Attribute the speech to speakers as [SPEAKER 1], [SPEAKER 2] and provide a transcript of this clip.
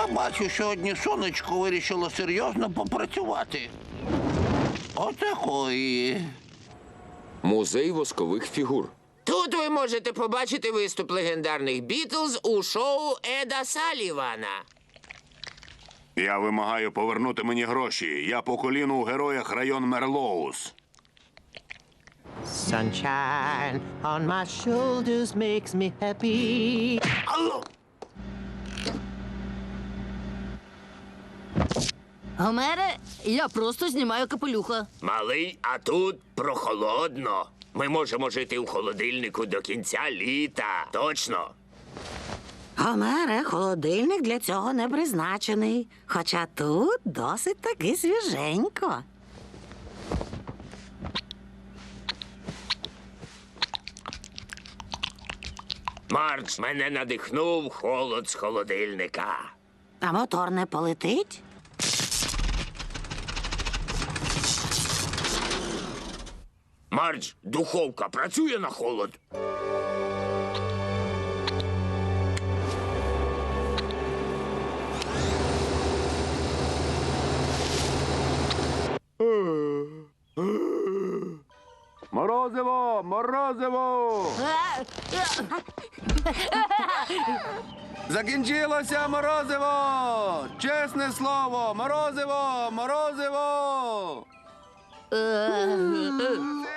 [SPEAKER 1] бачу, сьогодні сонечко вирішило серйозно попрацювати. Отакої.
[SPEAKER 2] Музей воскових фігур.
[SPEAKER 3] Тут ви можете побачити виступ легендарних Бітлз у шоу Еда Салівана.
[SPEAKER 4] Я вимагаю повернути мені гроші. Я по коліну у героях район Мерлоуз.
[SPEAKER 5] Sunshine on my shoulders makes me happy.
[SPEAKER 6] Гомере, я просто знімаю капелюха.
[SPEAKER 3] Малий, а тут прохолодно. Ми можемо жити у холодильнику до кінця літа. Точно.
[SPEAKER 7] Гомере, холодильник для цього не призначений. Хоча тут досить таки свіженько.
[SPEAKER 3] Мардж, мене надихнув холод з холодильника.
[SPEAKER 7] А мотор не полетить?
[SPEAKER 3] Мардж, духовка працює на холод?
[SPEAKER 4] Морозиво! Морозиво! Закінчилося морозиво! Чесне слово! Морозиво! Морозиво!